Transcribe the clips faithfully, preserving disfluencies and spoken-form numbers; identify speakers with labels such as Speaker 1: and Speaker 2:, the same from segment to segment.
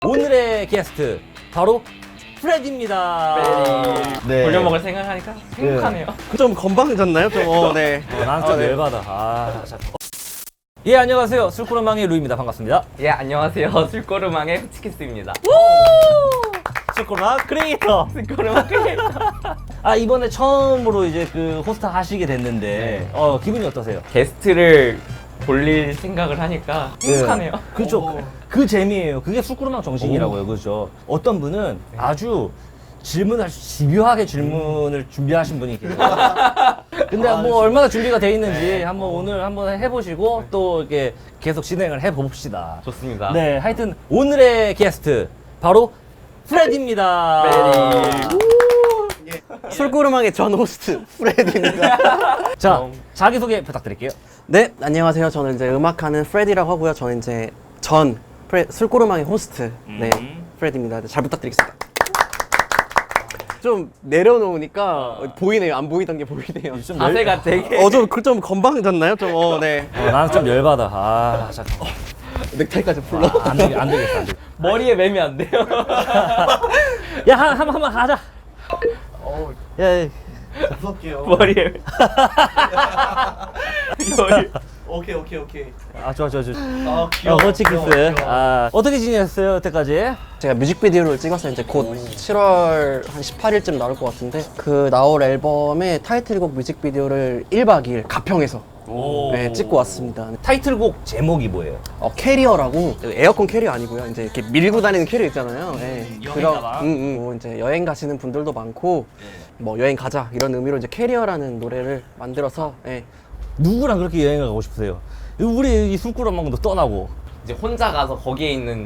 Speaker 1: 오늘의 게스트 바로 프레디입니다.
Speaker 2: 프레디.
Speaker 1: 네.
Speaker 2: 돌려먹을 생각하니까 행복하네요.
Speaker 3: 좀 건방졌나요? 좀, 어, 네.
Speaker 1: 어, 나는 좀
Speaker 3: 아, 네.
Speaker 1: 열받아. 아, 참. 예, 안녕하세요. 술꾸러망의 루이입니다. 반갑습니다.
Speaker 2: 예, 안녕하세요. 술꼬르망의 후치키스입니다.
Speaker 1: 술꾸러망 크리에이터.
Speaker 2: 술꼬르망 크리에이터.
Speaker 1: 아, 이번에 처음으로 이제 그 호스트 하시게 됐는데
Speaker 2: 네.
Speaker 1: 어, 기분이 어떠세요?
Speaker 2: 게스트를 돌릴 생각을 하니까 행복하네요.
Speaker 1: 그렇죠. 그 재미예요. 그게 술꾸러망 정신이라고요. 그렇죠. 어떤 분은 아주 질문을 아주 집요하게 질문을 준비하신 분이 계세요. 근데 뭐 얼마나 준비가 돼 있는지 한번 오늘 한번 해보시고 또 이렇게 계속 진행을 해봅시다.
Speaker 2: 좋습니다.
Speaker 1: 네, 하여튼 오늘의 게스트 바로 프레디입니다.
Speaker 2: 프레디.
Speaker 3: 술꾸러망의 전 호스트, 프레디입니다.
Speaker 1: 자, 자기소개 부탁드릴게요.
Speaker 3: 네, 안녕하세요. 저는 이제 음악하는 프레디라고 하고요. 저는 이제 전 프레, 술꾸러망의 호스트, 네, 프레디입니다. 네, 잘 부탁드리겠습니다. 좀 내려놓으니까 보이네요. 안 보이던 게 보이네요.
Speaker 1: 좀
Speaker 2: 자세가 되게
Speaker 3: 어, 좀, 그 좀 건방졌나요? 좀, 어, 네.
Speaker 1: 어, 나는 좀 열받아. 아, 잠깐.
Speaker 3: 넥타이까지 풀러.
Speaker 1: 아, 안, 되겠, 안 되겠어, 안 되겠어.
Speaker 2: 머리에 매면 안 돼요.
Speaker 1: 야, 한, 한, 한번 하자. 야, 야,
Speaker 3: 무섭게요.
Speaker 2: 머리에. 머리.
Speaker 3: 오케이, 오케이, 오케이.
Speaker 1: 아, 좋아, 좋아, 좋아.
Speaker 3: 아,
Speaker 1: 어, 호치키스. 아, 어떻게 지냈어요, 여태까지?
Speaker 3: 제가 뮤직비디오를 찍어서 이제 곧 칠월 한 십팔 일쯤 나올 것 같은데 그 나올 앨범의 타이틀곡 뮤직비디오를 일 박 이 일 가평에서
Speaker 1: 오.
Speaker 3: 네, 찍고 왔습니다.
Speaker 1: 타이틀곡 제목이 뭐예요?
Speaker 3: 어, 캐리어라고 에어컨 캐리어 아니고요. 이제 이렇게 밀고 다니는 캐리어 있잖아요. 네.
Speaker 1: 여행 가방?
Speaker 3: 응, 응. 뭐 이제 여행 가시는 분들도 많고 뭐 여행 가자 이런 의미로 이제 캐리어라는 노래를 만들어서 예.
Speaker 1: 누구랑 그렇게 여행을 가고 싶으세요? 우리 이 술꾸러망도 떠나고.
Speaker 2: 이제 혼자 가서 거기에 있는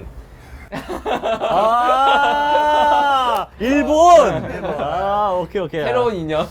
Speaker 1: 아, 일본! 아, 오케이, 오케이.
Speaker 2: 새로운 인연.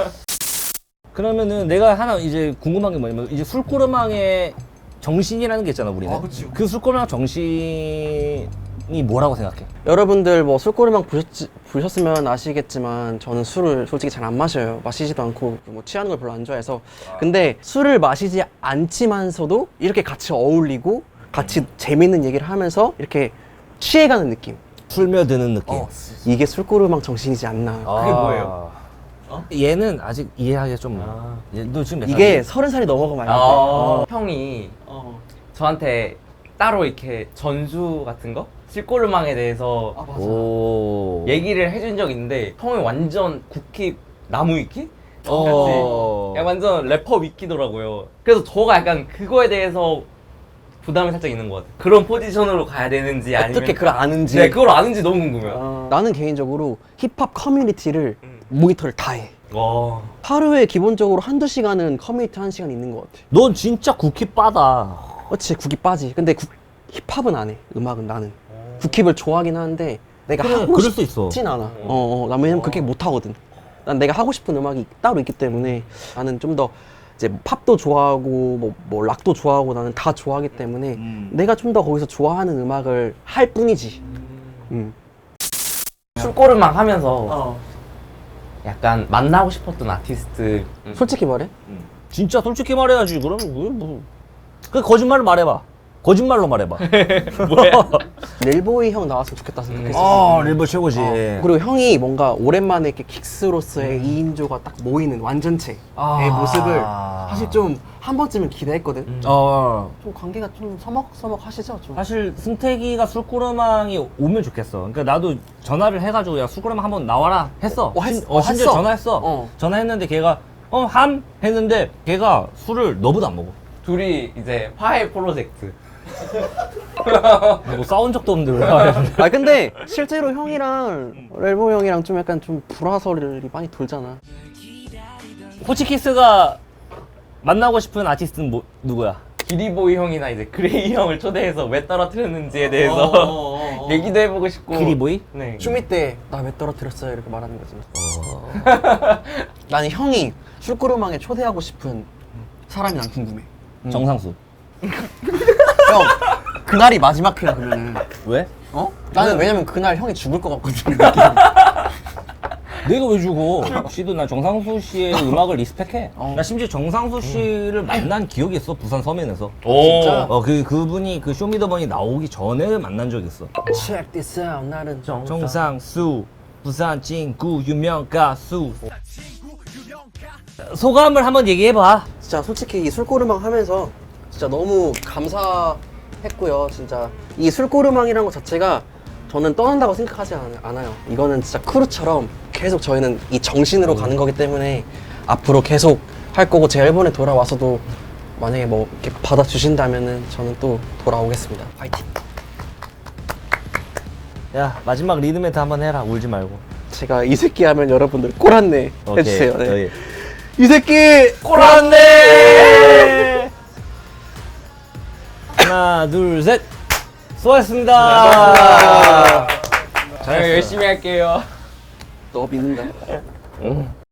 Speaker 1: 그러면은 내가 하나 이제 궁금한 게 뭐냐면 이제 술꾸러망의 정신이라는 게 있잖아, 우리는.
Speaker 3: 아, 그치.
Speaker 1: 그 술꾸러망 정신이 뭐라고 생각해?
Speaker 3: 여러분들 뭐 술꼬르망 보셨지, 보셨으면 아시겠지만 저는 술을 솔직히 잘 안 마셔요. 마시지도 않고 뭐 취하는 걸 별로 안 좋아해서. 근데 술을 마시지 않지만서도 이렇게 같이 어울리고 같이 재밌는 얘기를 하면서 이렇게 취해가는 느낌.
Speaker 1: 술며드는 느낌.
Speaker 3: 어, 이게 술꼬르망 정신이지 않나.
Speaker 1: 아.
Speaker 2: 그게 뭐예요?
Speaker 1: 얘는 아직 이해하기 좀.
Speaker 2: 아.
Speaker 1: 얘, 너 지금 몇
Speaker 3: 이게
Speaker 1: 살이야?
Speaker 3: 서른 살이 넘어가면 안 돼.
Speaker 2: 어, 형이
Speaker 3: 어.
Speaker 2: 저한테 따로 이렇게 전수 같은 거? 술꼬르망에 대해서
Speaker 3: 아, 맞아.
Speaker 1: 오.
Speaker 2: 얘기를 해준 적 있는데 형이 완전 국힙 나무 위키?
Speaker 1: 어.
Speaker 2: 야, 완전 래퍼 위키더라고요. 그래서 저가 약간 그거에 대해서 부담이 살짝 있는 것 같아요. 그런 포지션으로 가야 되는지 아니면
Speaker 3: 어떻게 그걸 아는지.
Speaker 2: 네, 그걸 아는지 너무 궁금해요.
Speaker 3: 어, 나는 개인적으로 힙합 커뮤니티를
Speaker 2: 음.
Speaker 3: 모니터를 다 해.
Speaker 2: 와.
Speaker 3: 하루에 기본적으로 한두 시간은 커뮤니티 한 시간 있는 것 같아.
Speaker 1: 넌 진짜 국힙 빠다.
Speaker 3: 그렇지, 국힙 빠지. 근데 국, 힙합은 안 해. 음악은 나는. 국힙을 좋아하긴 하는데 내가
Speaker 1: 그래,
Speaker 3: 하고
Speaker 1: 그럴 수 있어.
Speaker 3: 싶진 않아. 어, 어, 나 왜냐면 그렇게 못 하거든. 난 내가 하고 싶은 음악이 따로 있기 때문에 나는 좀 더 이제 팝도 좋아하고 뭐, 뭐 락도 좋아하고 나는 다 좋아하기 때문에
Speaker 1: 음.
Speaker 3: 내가 좀 더 거기서 좋아하는 음악을 할 뿐이지. 음.
Speaker 2: 술꼬르망 하면서
Speaker 3: 어.
Speaker 2: 약간 만나고 싶었던 아티스트. 음.
Speaker 3: 솔직히 말해.
Speaker 1: 진짜 솔직히 말해야지. 그럼 뭐, 뭐. 그 거짓말을 말해봐. 거짓말로 말해봐.
Speaker 2: 뭐야?
Speaker 3: 릴보이 형 나왔으면 좋겠다 생각했어.
Speaker 1: 아, 릴보 최고지.
Speaker 3: 그리고 형이 뭔가 오랜만에 이렇게 킥스로서의 이 인조가 딱 모이는 완전체의
Speaker 1: 아.
Speaker 3: 모습을 사실 좀 한 번쯤은 기대했거든.
Speaker 1: 어.
Speaker 3: 좀 관계가 좀 서먹서먹 하시죠? 좀.
Speaker 1: 사실 승택이가 술꾸러망이 오면 좋겠어. 그러니까 나도 전화를 해가지고 야 술꾸러망 한번 나와라 했어.
Speaker 3: 어, 했-
Speaker 1: 심, 어,
Speaker 3: 어,
Speaker 1: 심지어
Speaker 3: 했어.
Speaker 1: 전화했어.
Speaker 3: 어.
Speaker 1: 전화했는데 걔가 어 함 했는데 걔가 술을 너보다 안 먹어.
Speaker 2: 둘이 이제 화해 프로젝트.
Speaker 1: 뭐 싸운 적도 없는데 왜 화해를?
Speaker 3: 아 근데 실제로 형이랑 렐보 형이랑 좀 약간 좀 불화설이 많이 돌잖아.
Speaker 1: 호치키스가 만나고 싶은 아티스트는 뭐, 누구야?
Speaker 2: 기리보이 형이나 이제 그레이 형을 초대해서 왜 떨어뜨렸는지에 대해서 얘기도 해보고 싶고.
Speaker 1: 기리보이?
Speaker 2: 네.
Speaker 3: 춤이 때 나 왜 떨어뜨렸어요 이렇게 말하는 거지. 나는 형이 술꾸러망에 초대하고 싶은 사람이 난 궁금해.
Speaker 1: 정상수.
Speaker 3: 형 그날이 마지막 회야 그러면은.
Speaker 1: 왜?
Speaker 3: 어? 나는 왜냐면 그날 형이 죽을 것 같거든.
Speaker 1: 내가 왜 주고? 씨도 난 정상수 씨의 음악을 리스펙해.
Speaker 3: 어.
Speaker 1: 나 심지어 정상수 씨를 만난 기억이 있어 부산 서면에서.
Speaker 2: 오.
Speaker 3: 진짜?
Speaker 1: 어 그 그분이 그 쇼미더머니 나오기 전에 만난 적 있어.
Speaker 3: Check this out. 나는 정.
Speaker 1: 정상수 부산 친구 유명 가수. 소감을 한번 얘기해봐.
Speaker 3: 진짜 솔직히 이 술꼬르망 하면서 진짜 너무 감사했고요. 진짜 이 술꼬르망이라는 것 자체가 저는 떠난다고 생각하지 않- 않아요. 이거는 진짜 크루처럼 계속 저희는 이 정신으로 가는 거기 때문에 앞으로 계속 할 거고 제가 일본에 돌아와서도 만약에 뭐 이렇게 받아주신다면은 저는 또 돌아오겠습니다. 파이팅!
Speaker 1: 야 마지막 리드 멘트 한번 해라. 울지 말고.
Speaker 3: 제가 이 새끼 하면 여러분들 꼴았네 해주세요. 네.
Speaker 1: 오케이.
Speaker 3: 이 새끼
Speaker 1: 꼴았네. 하나 둘 셋. 수고하셨습니다.
Speaker 2: 저희 열심히 할게요.
Speaker 3: 너 믿는다.
Speaker 1: 응.